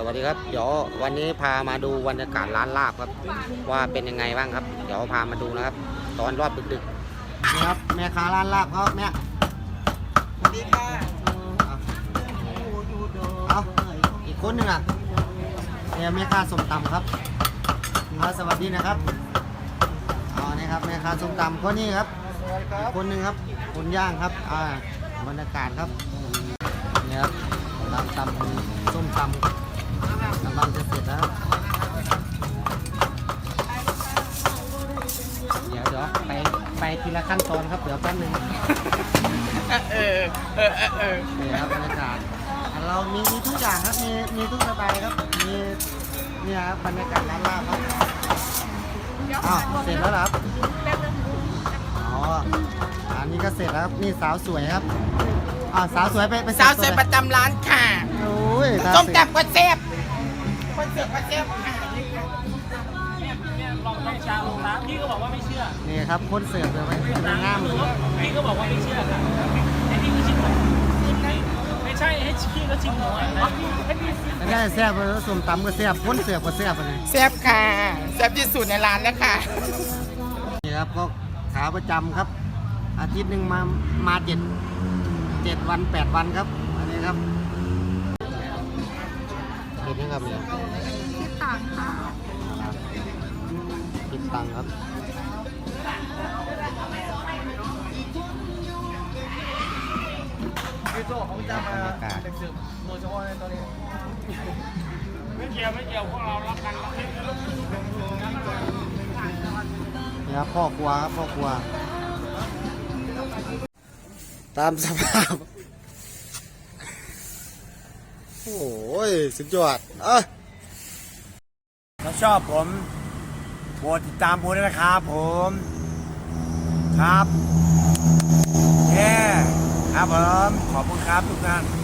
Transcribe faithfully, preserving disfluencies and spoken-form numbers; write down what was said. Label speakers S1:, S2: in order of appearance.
S1: วัสดีครับเดี๋ยววันนี้พามาดูบรรยากาศร้านลาบครับว่าเป็นยังไงบ้างครับ เดี๋ยวพามาดูนะครับ ตอนรอบดึกๆนี่ครับแม่ค้าร้านลาบเขาแม่สวัสดีค่ะเอาอีกคนหนึ่งอ่ะเนี่ยแม่ค้าส้มตำครับสวัสดีนะครับเอานี่ครับแม่ค้าส้มตำคนนี้ครับอีกคนหนึ่งครับคนย่างครับอ่าบรรยากาศครับนี่ครับร้านตำส้มตำกำลังจะเสร็จแล้วเดี๋ยวเดี๋ยวไปไปทีละขั้นตอนครับเดี๋ยวแป๊บนึงเออเออเออนี่ครับบรรยากาศเรามีมีทุกอย่างครับมีมีทุกสไตล์ครับมีเนี่ยครับบรรยากาศร้านลาบครับอ้าวเสร็จแล้วครับอ๋ออันนี้ก็เสร็จแล้วนี่สาวสวยครับอ่าสาวสวยไปไป
S2: สาวสวยประจำร้านค่ะ
S1: โอ้ย
S2: ส้มตำก็เซฟคนเสิร์ฟก็เซฟค่ะ
S3: ลองลองชาลงน้ำพี่ก็บอกว่าไม่เชื่อ
S1: นี่ครับคนเสิร์ฟเลยไปง่ามเลย
S3: พี่ก็บอกว่าไม่เชื่อค่ะให้พี่ก็ชิมหน่อยไม่ใช่ให้พี่ก็ชิมหน่อยให้พี่
S1: ไม่ได้แซ่บเลยส้มตำก็แซ่บคนเสิร์ฟก็แซ่บเลย
S2: เซฟค่ะเซฟที่สุดในร้านแล้วค่ะ
S1: นี่ครับก็ขาประจำครับ อาทิตย์หนึ่งมามาเจ็ดเจ็ดวันแปดวันครับอันนี้ครับเห็นยังครับเนี่ย
S2: คิดต่างค่ะ
S1: คิดตังค์ครับบรรยากาศ
S3: ไม่เกี่ยวไม่เกี่ยวพวกเรารักกันรักกัน
S1: นี่ครับพ่อครัวครับพ่อครัวตามสภาพโอ้ยสุดยอดเอ้ย
S4: ถ้าชอบผมโปรดติดตามผมด้วยนะครับผมครับเย้ครับผมขอบคุณครับทุกท่าน